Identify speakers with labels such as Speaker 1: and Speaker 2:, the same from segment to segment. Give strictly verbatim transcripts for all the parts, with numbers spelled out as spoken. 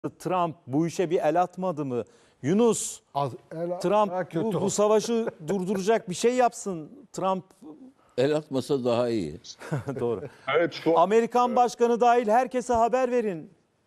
Speaker 1: Trump bu işe bir el atmadı mı? Yunus,
Speaker 2: Az, el,
Speaker 1: Trump bu, bu savaşı durduracak bir şey yapsın. Trump
Speaker 3: El atmasa daha iyi.
Speaker 1: doğru.
Speaker 4: Evet, şu an,
Speaker 1: Amerikan başkanı dahil herkese haber verin.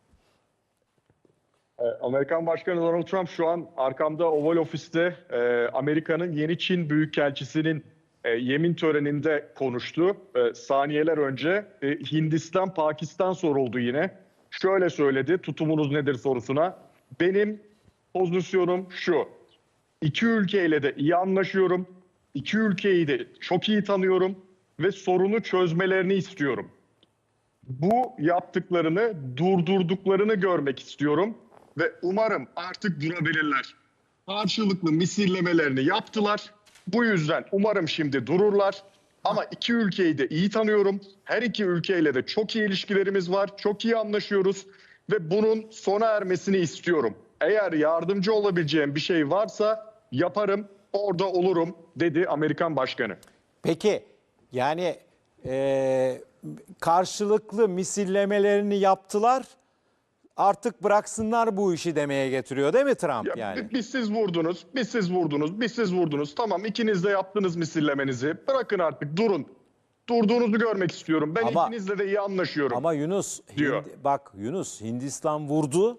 Speaker 4: e, Amerikan Başkanı Donald Trump şu an arkamda Oval Ofis'te e, Amerika'nın yeni Çin Büyükelçisi'nin e, yemin töreninde konuştu. E, saniyeler önce e, Hindistan, Pakistan soruldu yine. Şöyle söyledi, tutumunuz nedir sorusuna. Benim pozisyonum şu. İki ülkeyle de iyi anlaşıyorum. İki ülkeyi de çok iyi tanıyorum ve sorunu çözmelerini istiyorum. Bu yaptıklarını durdurduklarını görmek istiyorum ve umarım artık durabilirler. Karşılıklı misillemelerini yaptılar. Bu yüzden umarım şimdi dururlar. Ama iki ülkeyi de iyi tanıyorum. Her iki ülkeyle de çok iyi ilişkilerimiz var. Çok iyi anlaşıyoruz ve bunun sona ermesini istiyorum. Eğer yardımcı olabileceğim bir şey varsa yaparım, orada olurum dedi Amerikan Başkanı.
Speaker 1: Peki yani e, karşılıklı misillemelerini yaptılar. Artık bıraksınlar bu işi demeye getiriyor değil mi Trump
Speaker 4: Ya,
Speaker 1: yani?
Speaker 4: Biz siz vurdunuz, biz siz vurdunuz, biz siz vurdunuz. Tamam, ikiniz de yaptınız misillemenizi. Bırakın artık, durun. Durduğunuzu görmek istiyorum. Ben
Speaker 1: Ama-
Speaker 4: ikinizle de iyi anlaşıyorum.
Speaker 1: Ama Yunus,
Speaker 4: diyor.
Speaker 1: Hindi- bak Yunus Hindistan vurdu.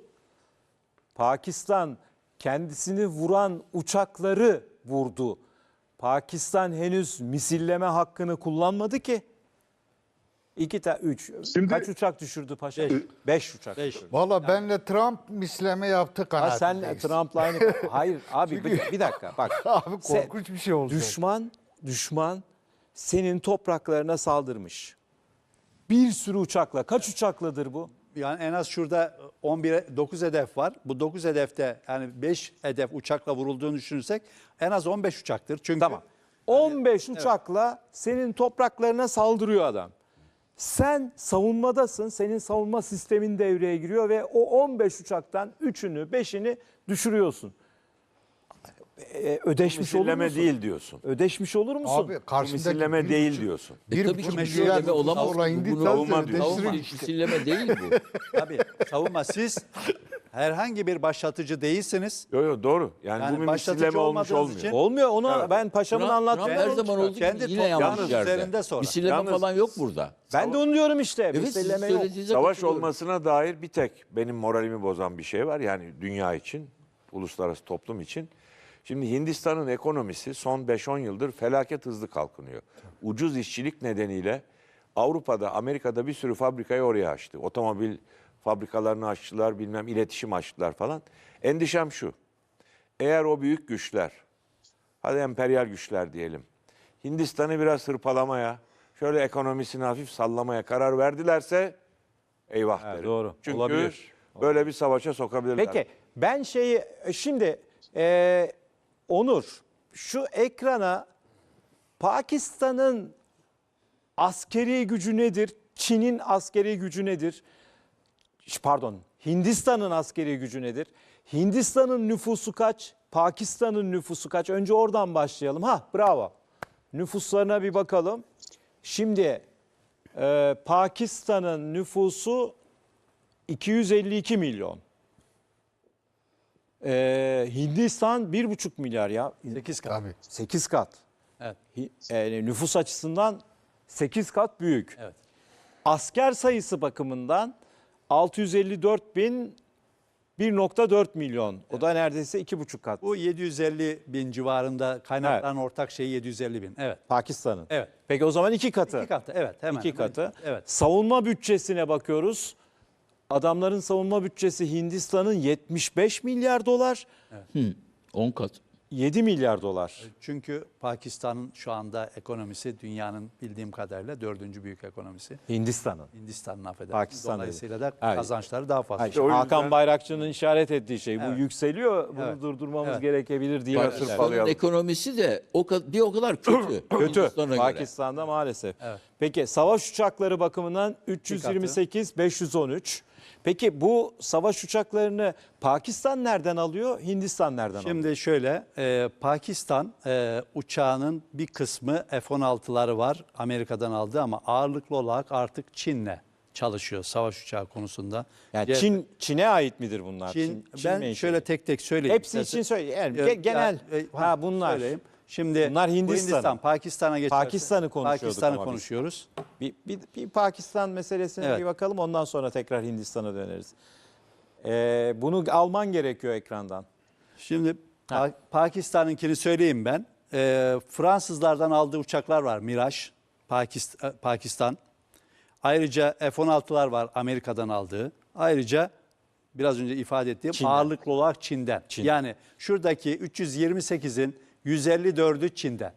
Speaker 1: Pakistan kendisini vuran uçakları vurdu. Pakistan henüz misilleme hakkını kullanmadı ki. İki ta üç.
Speaker 4: Şimdi-
Speaker 1: Kaç uçak düşürdü paşa? Beş, Beş uçak.
Speaker 2: Beş. Valla benle Trump misleme yaptı
Speaker 1: Ha,
Speaker 2: kanaatindeyiz.
Speaker 1: sen Trump'la aynı. Hayır abi bir, bir dakika bak.
Speaker 2: Abi
Speaker 1: Sen-
Speaker 2: korkunç bir şey olacak.
Speaker 1: Düşman, düşman senin topraklarına saldırmış. Bir sürü uçakla. Kaç uçakladır bu?
Speaker 5: Yani en az şurada on bir dokuz hedef var. Bu dokuz hedefte yani beş hedef uçakla vurulduğunu düşünürsek en az on beş uçaktır. Çünkü
Speaker 1: Tamam. on beş uçakla senin topraklarına saldırıyor adam. Sen savunmadasın. Senin savunma sistemin devreye giriyor ve o on beş uçaktan üçünü, beşini düşürüyorsun. Ee, ödeşmiş olur
Speaker 6: Misilleme
Speaker 1: musun?
Speaker 6: değil diyorsun.
Speaker 1: Ödeşmiş olur musun?
Speaker 2: Abi karşındaki
Speaker 6: Misilleme
Speaker 2: bir
Speaker 6: değil
Speaker 2: buçuk-
Speaker 6: diyorsun.
Speaker 3: E
Speaker 2: Bir
Speaker 3: tabii
Speaker 2: buçuk
Speaker 3: ki
Speaker 2: milyar
Speaker 3: misilleme olamaz.
Speaker 2: dolarla
Speaker 3: Bu
Speaker 2: Hindistan
Speaker 6: savunma
Speaker 2: seni
Speaker 6: diyor.
Speaker 2: deşirir
Speaker 3: Savunma,
Speaker 2: işte.
Speaker 3: misilleme değil bu.
Speaker 5: tabii savunma siz herhangi bir başlatıcı değilsiniz.
Speaker 6: Yo yo doğru. Yani,
Speaker 5: Yani
Speaker 6: bu bir
Speaker 5: başlatıcı
Speaker 6: misilleme olmuş
Speaker 5: olmadığınız
Speaker 6: olmuyor.
Speaker 5: için-
Speaker 1: Olmuyor. Onu ben paşamın
Speaker 3: Trump-
Speaker 1: anlattığı
Speaker 3: Trump her
Speaker 1: yolu
Speaker 3: zaman
Speaker 1: çıkar.
Speaker 3: olduğu
Speaker 5: Kendi
Speaker 3: gibi yine yanlış
Speaker 5: toprağınız
Speaker 3: yerde.
Speaker 5: üzerinde sonra.
Speaker 3: Misilleme
Speaker 6: Yalnız-
Speaker 3: falan yok burada.
Speaker 1: Ben de onu diyorum işte.
Speaker 3: Evet, siz
Speaker 1: Misilleme yok.
Speaker 3: söylediğinize
Speaker 6: Savaş
Speaker 3: katılıyorum.
Speaker 6: olmasına dair bir tek benim moralimi bozan bir şey var. Yani dünya için, uluslararası toplum için. Şimdi Hindistan'ın ekonomisi son beş on yıldır felaket hızlı kalkınıyor. Ucuz işçilik nedeniyle Avrupa'da, Amerika'da bir sürü fabrikayı oraya açtı. Otomobil fabrikalarını açtılar, bilmem iletişim açtılar falan. Endişem şu. Eğer o büyük güçler, hadi emperyal güçler diyelim, Hindistan'ı biraz hırpalamaya, şöyle ekonomisini hafif sallamaya karar verdilerse eyvah
Speaker 1: Evet,
Speaker 6: derim.
Speaker 1: doğru.
Speaker 6: Çünkü
Speaker 1: Olabilir.
Speaker 6: böyle bir savaşa sokabilirler.
Speaker 1: Peki ben şeyi şimdi e, Onur şu ekrana Pakistan'ın askeri gücü nedir? Çin'in askeri gücü nedir? Ş- Pardon, Hindistan'ın askeri gücü nedir? Hindistan'ın nüfusu kaç? Pakistan'ın nüfusu kaç? Önce oradan başlayalım. Ha, bravo. Nüfuslarına bir bakalım. Şimdi e, Pakistan'ın nüfusu iki yüz elli iki milyon. Ee, Hindistan bir buçuk milyar ya.
Speaker 5: sekiz kat.
Speaker 2: Abi.
Speaker 1: sekiz kat.
Speaker 5: Evet.
Speaker 1: Hi- e, nüfus açısından sekiz kat büyük.
Speaker 5: Evet.
Speaker 1: Asker sayısı bakımından altı yüz elli dört bin bir nokta dört milyon. O da neredeyse iki buçuk kat.
Speaker 5: Bu yedi yüz elli bin civarında kaynakların ortak şeyi yedi yüz elli bin. Evet.
Speaker 1: Pakistan'ın.
Speaker 5: Evet.
Speaker 1: Peki o zaman iki katı.
Speaker 5: İki katı. Evet. Hemen.
Speaker 1: İki
Speaker 5: hemen.
Speaker 1: katı.
Speaker 5: Evet.
Speaker 1: Savunma bütçesine bakıyoruz. Adamların savunma bütçesi Hindistan'ın yetmiş beş milyar dolar,
Speaker 3: on kat.
Speaker 1: yedi milyar dolar.
Speaker 5: Çünkü Pakistan'ın şu anda ekonomisi dünyanın bildiğim kadarıyla dördüncü büyük ekonomisi.
Speaker 1: Hindistan'ın.
Speaker 5: Hindistan'ın affedersiniz.
Speaker 1: Pakistan'da.
Speaker 5: Dolayısıyla da
Speaker 1: Evet.
Speaker 5: kazançları daha fazla.
Speaker 1: Hayır, işte
Speaker 6: o yüzden-
Speaker 1: Hakan Bayrakçı'nın işaret ettiği şey bu
Speaker 5: Evet.
Speaker 1: yükseliyor. Bunu
Speaker 5: Evet.
Speaker 1: durdurmamız
Speaker 5: Evet.
Speaker 1: gerekebilir diye.
Speaker 6: Pakistan'ın
Speaker 1: düşünüyorum.
Speaker 6: Pakistan'ın
Speaker 3: Ekonomisi de o ka- bir o kadar kötü.
Speaker 1: Kötü.
Speaker 3: Hindistan'a göre.
Speaker 1: Pakistan'da maalesef.
Speaker 5: Evet.
Speaker 1: Peki savaş uçakları bakımından üç yüz yirmi sekiz beş yüz on üç. Peki bu savaş uçaklarını Pakistan nereden alıyor? Hindistan nereden alıyor?
Speaker 5: Şimdi şöyle, e, Pakistan e, uçağının bir kısmı F on altıları var Amerika'dan aldı ama ağırlıklı olarak artık Çin'le çalışıyor savaş uçağı konusunda.
Speaker 1: Yani
Speaker 5: C-
Speaker 1: Çin Çin'e ait midir bunlar?
Speaker 5: Çin,
Speaker 1: Çin
Speaker 5: ben
Speaker 1: menşeli.
Speaker 5: şöyle tek tek söyleyeyim.
Speaker 1: Hepsi için
Speaker 5: Mesela-
Speaker 1: söyle. Yani
Speaker 5: Ya-
Speaker 1: ge- genel
Speaker 5: ya- e,
Speaker 1: ha bunlar.
Speaker 5: söyleyeyim. Şimdi
Speaker 1: Bunlar
Speaker 5: bu
Speaker 1: Hindistan'ın.
Speaker 5: Hindistan, Pakistan'a geçersek.
Speaker 1: Pakistan'ı konuşuyorduk
Speaker 5: Pakistan'ı
Speaker 1: ama biz.
Speaker 5: konuşuyoruz.
Speaker 1: Bir, bir, bir Pakistan meselesine
Speaker 5: Evet.
Speaker 1: bir bakalım ondan sonra tekrar Hindistan'a döneriz. Ee, bunu alman gerekiyor ekrandan.
Speaker 5: Şimdi Pa- Pakistan'ınkini söyleyeyim ben. Ee, Fransızlardan aldığı uçaklar var. Mirage, Pakistan. Pakistan. Ayrıca F on altılar var Amerika'dan aldığı. Ayrıca biraz önce ifade ettiğim
Speaker 1: Çin'den.
Speaker 5: ağırlıklı olarak Çin'den.
Speaker 1: Çin'den.
Speaker 5: Yani şuradaki üç yüz yirmi sekizin yüz elli dördü Çin'den.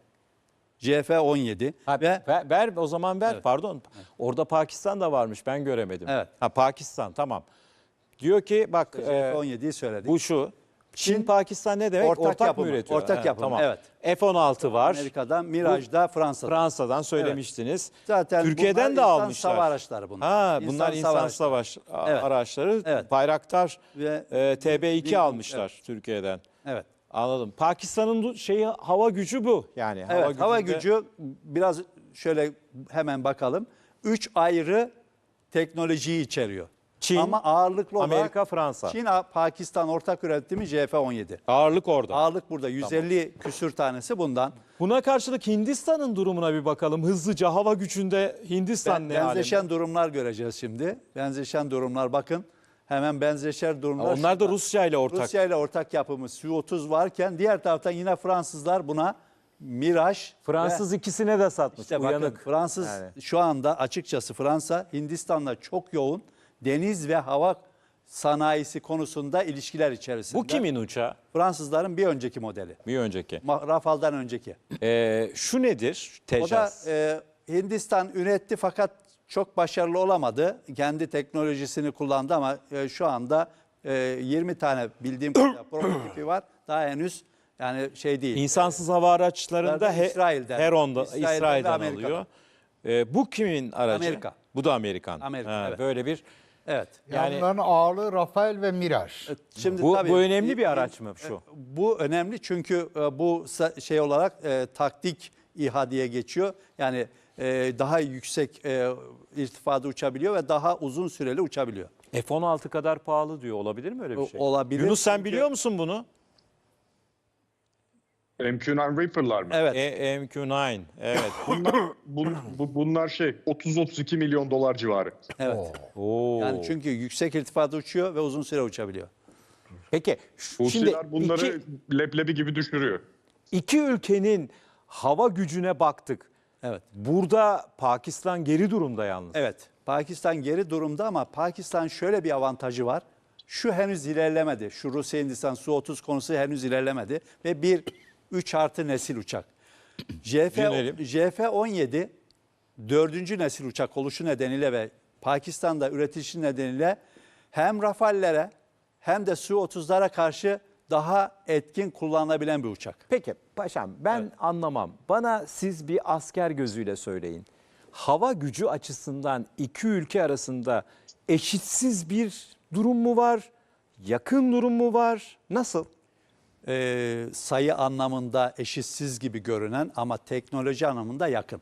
Speaker 5: C F on yedi
Speaker 1: Ha,
Speaker 5: ve
Speaker 1: ver, ver o zaman ver
Speaker 5: Evet.
Speaker 1: pardon. Orada Pakistan da varmış ben göremedim.
Speaker 5: Evet.
Speaker 1: Ha Pakistan tamam. Diyor ki bak
Speaker 5: C F
Speaker 1: e,
Speaker 5: on yediyi söyledik.
Speaker 1: bu şu. Çin,
Speaker 5: Çin,
Speaker 1: Pakistan ne demek?
Speaker 5: ortak
Speaker 1: Ortak,
Speaker 5: yapımı,
Speaker 1: mı üretiyor?
Speaker 5: ortak
Speaker 1: Ha,
Speaker 5: yapımı,
Speaker 1: Tamam.
Speaker 5: evet.
Speaker 1: F on altı var.
Speaker 5: Amerika'dan, Mirage'da Fransa'da.
Speaker 1: Fransa'dan söylemiştiniz.
Speaker 5: Zaten
Speaker 1: Türkiye'den
Speaker 5: bunlar
Speaker 1: de
Speaker 5: insan
Speaker 1: almışlar.
Speaker 5: hava araçları bunlar.
Speaker 1: Ha,
Speaker 5: İnsan
Speaker 1: bunlar insan
Speaker 5: savaş
Speaker 1: savaş a-
Speaker 5: Evet.
Speaker 1: araçları.
Speaker 5: Evet.
Speaker 1: Bayraktar
Speaker 5: Ve-
Speaker 1: e, T B iki
Speaker 5: Bilmiyorum,
Speaker 1: almışlar Türkiye'den.
Speaker 5: Evet.
Speaker 1: Anladım. Pakistan'ın du- şeyi hava gücü bu. Yani
Speaker 5: Evet, hava
Speaker 1: gücünde-
Speaker 5: gücü biraz şöyle hemen bakalım. Üç ayrı teknolojiyi içeriyor.
Speaker 1: Çin,
Speaker 5: Ama ağırlıklı olarak
Speaker 1: Amerika, Fransa.
Speaker 5: Çin, Pakistan ortak üretimi C F on yedi.
Speaker 1: Ağırlık orada.
Speaker 5: Ağırlık burada yüz elli küsür tanesi bundan.
Speaker 1: Buna karşılık Hindistan'ın durumuna bir bakalım. Hızlıca hava gücünde Hindistan
Speaker 5: Ben-
Speaker 1: ne alemde?
Speaker 5: benzeşen durumlar göreceğiz şimdi. Benzeşen durumlar bakın. Hemen benzeşer durumlar.
Speaker 1: Onlar da
Speaker 5: şurada.
Speaker 1: Rusya ile ortak.
Speaker 5: Rusya ile ortak yapımı Su otuz varken diğer taraftan yine Fransızlar buna Mirage
Speaker 1: Fransız
Speaker 5: ve
Speaker 1: ikisine de satmış.
Speaker 5: işte bakın,
Speaker 1: Uyanık.
Speaker 5: Fransız
Speaker 1: Yani.
Speaker 5: şu anda açıkçası Fransa Hindistan'la çok yoğun deniz ve hava sanayisi konusunda ilişkiler içerisinde.
Speaker 1: Bu kimin uçağı?
Speaker 5: Fransızların bir önceki modeli.
Speaker 1: Bir önceki.
Speaker 5: Ma- Rafale'dan önceki.
Speaker 1: Ee, şu nedir?
Speaker 5: O da
Speaker 1: Tejas.
Speaker 5: e, Hindistan üretti fakat çok başarılı olamadı. Kendi teknolojisini kullandı ama e, şu anda e, yirmi tane bildiğim kadarıyla prototipi var. Daha henüz yani şey değil.
Speaker 1: İnsansız hava araçlarında he,
Speaker 5: İsrail'den.
Speaker 1: Heron'da,
Speaker 5: İsrail'den ve
Speaker 1: İsrail'den,
Speaker 5: Amerika'dan.
Speaker 1: alıyor. Ee, bu kimin aracı?
Speaker 5: Amerika.
Speaker 1: Bu da Amerikan.
Speaker 5: Amerika,
Speaker 1: Ha,
Speaker 5: evet.
Speaker 1: Böyle bir
Speaker 5: Evet.
Speaker 2: Yani,
Speaker 1: yani
Speaker 2: Onların ağırlığı Rafael ve Mirage.
Speaker 5: Şimdi
Speaker 1: bu,
Speaker 5: tabii,
Speaker 1: bu önemli bir
Speaker 5: e,
Speaker 1: araç mı şu?
Speaker 5: Bu önemli çünkü e, bu sa- şey olarak e, taktik İHA diye geçiyor. Yani e, daha yüksek e, irtifada uçabiliyor ve daha uzun süreli uçabiliyor.
Speaker 1: F on altı kadar pahalı diyor. Olabilir mi öyle bir
Speaker 5: O-
Speaker 1: şey?
Speaker 5: olabilir
Speaker 1: Yunus sen
Speaker 5: çünkü-
Speaker 1: biliyor musun bunu?
Speaker 4: M Q dokuz Reaper'lar mı?
Speaker 5: Evet.
Speaker 1: E, M Q dokuz. Evet.
Speaker 4: Bunlar, bun- bu, bunlar şey otuz otuz iki milyon dolar civarı.
Speaker 5: Evet.
Speaker 1: Oo.
Speaker 5: Yani çünkü yüksek irtifada uçuyor ve uzun süre uçabiliyor.
Speaker 1: Peki şu- şimdi
Speaker 4: Husiler bunları
Speaker 1: iki,
Speaker 4: leblebi gibi düşürüyor.
Speaker 1: iki ülkenin hava gücüne baktık.
Speaker 5: Evet.
Speaker 1: Burada Pakistan geri durumda yalnız.
Speaker 5: Evet. Pakistan geri durumda ama Pakistan şöyle bir avantajı var. Şu henüz ilerlemedi. Şu Rusya Hindistan Su otuz konusu henüz ilerlemedi ve bir üç artı nesil uçak. J F
Speaker 1: Dinleyelim.
Speaker 5: J F on yedi dördüncü nesil uçak oluşu nedeniyle ve Pakistan'da üretilişi nedeniyle hem Rafale'lere hem de Su otuzlara karşı daha etkin kullanılabilen bir uçak.
Speaker 1: Peki paşam ben anlamam. Bana siz bir asker gözüyle söyleyin. Hava gücü açısından iki ülke arasında eşitsiz bir durum mu var? Yakın durum mu var? Nasıl?
Speaker 5: Ee, sayı anlamında eşitsiz gibi görünen ama teknoloji anlamında yakın.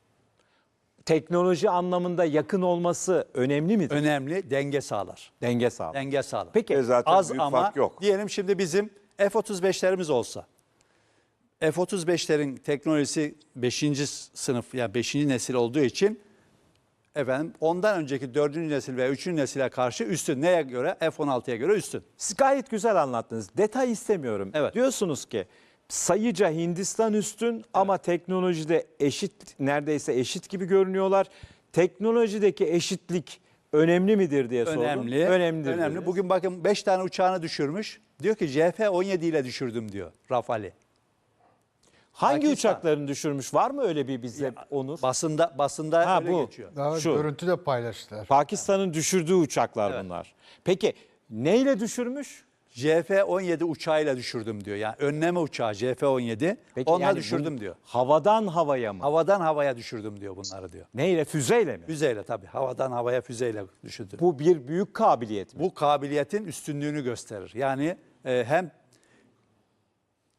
Speaker 1: Teknoloji anlamında yakın olması önemli midir?
Speaker 5: Önemli, denge sağlar.
Speaker 1: Denge sağlar.
Speaker 5: Denge sağlar.
Speaker 1: Peki
Speaker 6: Ve zaten
Speaker 5: Az
Speaker 6: büyük
Speaker 5: ama
Speaker 6: fark yok.
Speaker 5: diyelim şimdi bizim F otuz beşlerimiz olsa. F otuz beşlerin teknolojisi beşinci sınıf yani beşinci nesil olduğu için efendim ondan önceki dördüncü nesil veya üçüncü nesile karşı üstün. Neye göre? F on altıya göre üstün.
Speaker 1: siz gayet güzel anlattınız. Detay istemiyorum.
Speaker 5: Evet.
Speaker 1: Diyorsunuz ki sayıca Hindistan üstün ama teknolojide eşit, neredeyse eşit gibi görünüyorlar. Teknolojideki eşitlik önemli midir diye sordum.
Speaker 5: Önemli.
Speaker 1: Önemlidir.
Speaker 5: Önemli.
Speaker 1: dediniz.
Speaker 5: Bugün bakın beş tane uçağını düşürmüş. Diyor ki J F on yedi ile düşürdüm diyor Rafale.
Speaker 1: Hangi
Speaker 5: Pakistan.
Speaker 1: uçaklarını düşürmüş? Var mı öyle bir bize Onur?
Speaker 5: Basında basında
Speaker 1: Ha,
Speaker 5: öyle
Speaker 1: bu.
Speaker 5: geçiyor.
Speaker 2: Daha
Speaker 1: Şu.
Speaker 2: görüntü de paylaştılar.
Speaker 1: Pakistan'ın düşürdüğü uçaklar bunlar. Peki neyle düşürmüş?
Speaker 5: J F on yedi uçağıyla düşürdüm diyor. Yani önleme uçağı J F on yedi.
Speaker 1: Peki
Speaker 5: Onunla
Speaker 1: yani
Speaker 5: düşürdüm
Speaker 1: bu
Speaker 5: diyor.
Speaker 1: Havadan havaya mı?
Speaker 5: Havadan havaya düşürdüm diyor bunları diyor.
Speaker 1: Neyle? Füzeyle mi?
Speaker 5: Füzeyle tabii. Havadan havaya füzeyle düşürdüm.
Speaker 1: Bu bir büyük kabiliyet mi?
Speaker 5: Bu kabiliyetin üstünlüğünü gösterir. Yani e, hem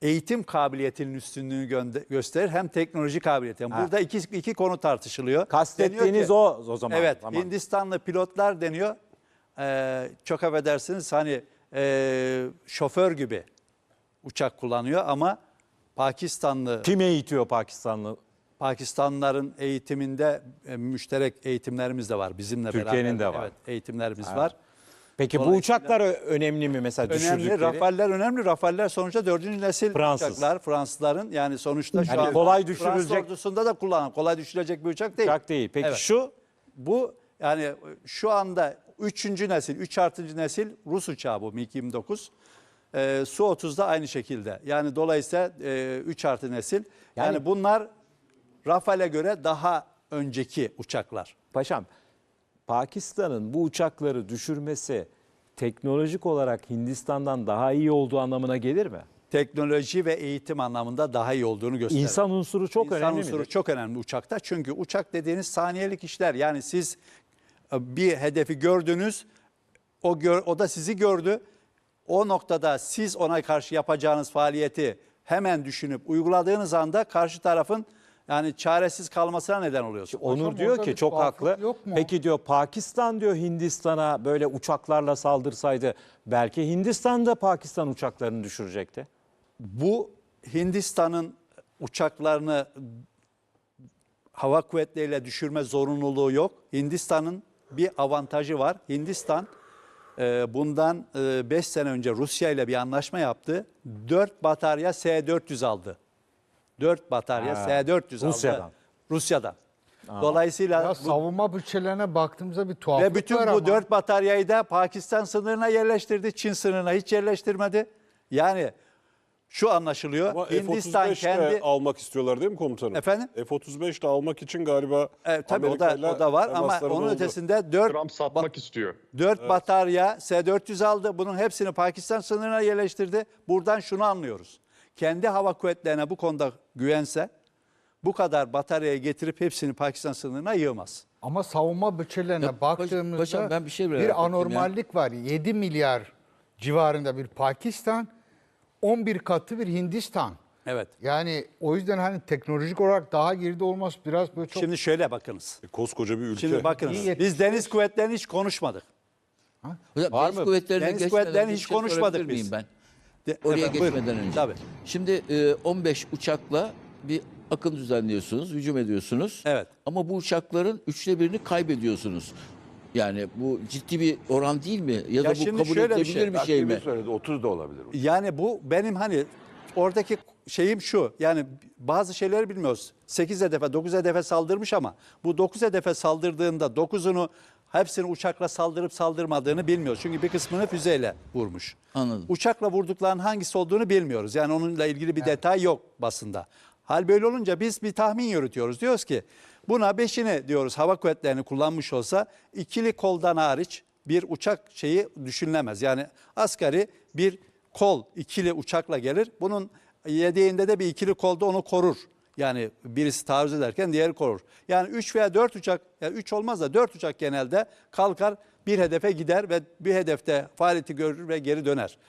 Speaker 5: eğitim kabiliyetinin üstünlüğünü gönde- gösterir hem teknoloji kabiliyeti. Yani burada iki, iki konu tartışılıyor.
Speaker 1: Kastettiğiniz
Speaker 5: Deniyor ki-
Speaker 1: o o zaman.
Speaker 5: Evet,
Speaker 1: Tamam.
Speaker 5: Hindistanlı pilotlar deniyor. Ee, çok affedersiniz hani e, şoför gibi uçak kullanıyor ama Pakistanlı
Speaker 1: Kim eğitiyor Pakistanlı?
Speaker 5: Pakistanlıların eğitiminde e, müşterek eğitimlerimiz de var bizimle beraber.
Speaker 1: Türkiye'nin de var.
Speaker 5: Evet, eğitimlerimiz var.
Speaker 1: Peki bu
Speaker 5: Dolayısıyla-
Speaker 1: uçaklar ö- önemli mi mesela
Speaker 5: Önemli.
Speaker 1: düşürdükleri?
Speaker 5: Rafaller önemli. Rafaller sonuçta dördüncü nesil
Speaker 1: Fransız.
Speaker 5: uçaklar. Fransızların yani sonuçta şu
Speaker 1: Yani
Speaker 5: an
Speaker 1: kolay
Speaker 5: Fransız
Speaker 1: düşürülecek-
Speaker 5: ordusunda da kullanan kolay düşürecek bir uçak değil.
Speaker 1: Uçak değil. Peki
Speaker 5: Evet.
Speaker 1: şu
Speaker 5: Bu yani şu anda üçüncü nesil, üç artıncı nesil Rus uçağı bu MiG yirmi dokuz. Ee, Su otuz da aynı şekilde. Yani dolayısıyla e, üç artı nesil. Yani,
Speaker 1: Yani-
Speaker 5: bunlar Rafale göre daha önceki uçaklar.
Speaker 1: paşam Pakistan'ın bu uçakları düşürmesi teknolojik olarak Hindistan'dan daha iyi olduğu anlamına gelir mi?
Speaker 5: Teknoloji ve eğitim anlamında daha iyi olduğunu gösteriyor.
Speaker 1: İnsan unsuru çok
Speaker 5: İnsan
Speaker 1: önemli
Speaker 5: unsuru
Speaker 1: midir?
Speaker 5: çok önemli uçakta. Çünkü uçak dediğiniz saniyelik işler. Yani siz e, bir hedefi gördünüz, o gör, o da sizi gördü. O noktada siz ona karşı yapacağınız faaliyeti hemen düşünüp uyguladığınız anda karşı tarafın yani çaresiz kalmasına neden oluyorsun.
Speaker 1: Onur
Speaker 2: Hocam,
Speaker 1: diyor
Speaker 2: orada
Speaker 1: ki
Speaker 2: bir
Speaker 1: çok
Speaker 2: tuhaflık
Speaker 1: haklı.
Speaker 2: yok mu?
Speaker 1: Peki diyor Pakistan diyor Hindistan'a böyle uçaklarla saldırsaydı belki Hindistan da Pakistan uçaklarını düşürecekti.
Speaker 5: Bu Hindistan'ın uçaklarını hava kuvvetleriyle düşürme zorunluluğu yok. Hindistan'ın bir avantajı var. Hindistan e, bundan beş sene önce Rusya ile bir anlaşma yaptı. dört batarya S dört yüz aldı. dört batarya
Speaker 1: Ha,
Speaker 5: S dört yüz
Speaker 1: Rusya'dan.
Speaker 5: aldı. Rusya'dan. Dolayısıyla
Speaker 2: Ya
Speaker 5: bu,
Speaker 2: savunma bütçelerine baktığımızda bir tuhaflık
Speaker 5: ve bütün
Speaker 2: var
Speaker 5: bu
Speaker 2: ama.
Speaker 5: dört bataryayı da Pakistan sınırına yerleştirdi. Çin sınırına hiç yerleştirmedi. Yani şu anlaşılıyor.
Speaker 7: Ama
Speaker 5: Hindistan
Speaker 7: F otuz beş de
Speaker 5: kendi
Speaker 7: almak istiyorlar değil mi komutanım?
Speaker 5: Efendim?
Speaker 7: F otuz beş de almak için galiba
Speaker 5: E, tabii o da,
Speaker 7: Amerika'yla
Speaker 5: o da var ama
Speaker 7: temasları da
Speaker 5: onun
Speaker 7: oldu.
Speaker 5: ötesinde dört,
Speaker 4: Trump satmak istiyor.
Speaker 5: dört batarya S dört yüz aldı. Bunun hepsini Pakistan sınırına yerleştirdi. Buradan şunu anlıyoruz. Kendi hava kuvvetlerine bu konuda güvense bu kadar bataryayı getirip hepsini Pakistan sınırına yığmaz.
Speaker 2: Ama savunma bütçelerine
Speaker 3: Ya, paş-
Speaker 2: baktığımızda
Speaker 3: paşam ben bir şey merak
Speaker 2: bir
Speaker 3: ettim ya.
Speaker 2: anormallik var. yedi milyar civarında bir Pakistan, on bir katı bir Hindistan.
Speaker 5: Evet.
Speaker 2: Yani o yüzden hani teknolojik olarak daha geride olması biraz böyle çok...
Speaker 5: Şimdi şöyle bakınız.
Speaker 7: E, koskoca bir ülke.
Speaker 5: Şimdi bakınız.
Speaker 2: İyi
Speaker 5: Biz deniz kuvvetlerini hiç konuşmadık.
Speaker 3: Hocam,
Speaker 1: Var
Speaker 3: deniz
Speaker 1: mı?
Speaker 3: kuvvetlerine
Speaker 5: Deniz
Speaker 3: geçmeden
Speaker 5: kuvvetlerini
Speaker 3: bir
Speaker 5: hiç
Speaker 3: şey
Speaker 5: konuşmadık
Speaker 3: sorabilir miyim
Speaker 5: biz.
Speaker 3: ben?
Speaker 5: De-
Speaker 3: Oraya
Speaker 5: Efendim, buyurun.
Speaker 3: geçmeden önce.
Speaker 5: Tabii.
Speaker 3: Şimdi e, on beş uçakla bir akın düzenliyorsunuz, hücum ediyorsunuz.
Speaker 5: Evet.
Speaker 3: Ama bu uçakların üçte birini kaybediyorsunuz. Yani bu ciddi bir oran değil mi? Ya,
Speaker 5: Ya
Speaker 3: da bu
Speaker 5: şimdi
Speaker 3: kabul
Speaker 5: şöyle bir
Speaker 3: edilebilir
Speaker 5: şey.
Speaker 3: bir şey mi?
Speaker 6: Takvimi söyledi otuz da olabilir.
Speaker 5: Yani bu benim hani oradaki şeyim şu. Yani bazı şeyleri bilmiyoruz. sekiz hedefe, dokuz hedefe saldırmış ama bu dokuz hedefe saldırdığında dokuzunu hepsini uçakla saldırıp saldırmadığını bilmiyoruz. Çünkü bir kısmını füzeyle vurmuş.
Speaker 3: Anladım.
Speaker 5: Uçakla vurduklarının hangisi olduğunu bilmiyoruz. Yani onunla ilgili bir detay yok basında. Hal böyle olunca biz bir tahmin yürütüyoruz. Diyoruz ki buna beşini diyoruz hava kuvvetlerini kullanmış olsa ikili koldan hariç bir uçak şeyi düşünülemez. Yani asgari bir kol ikili uçakla gelir. Bunun yedeğinde de bir ikili kolda onu korur. Yani birisi taarruz ederken diğeri korur. Yani üç veya dört uçak, yani üç olmaz da dört uçak genelde kalkar bir hedefe gider ve bir hedefte faaliyeti görür ve geri döner.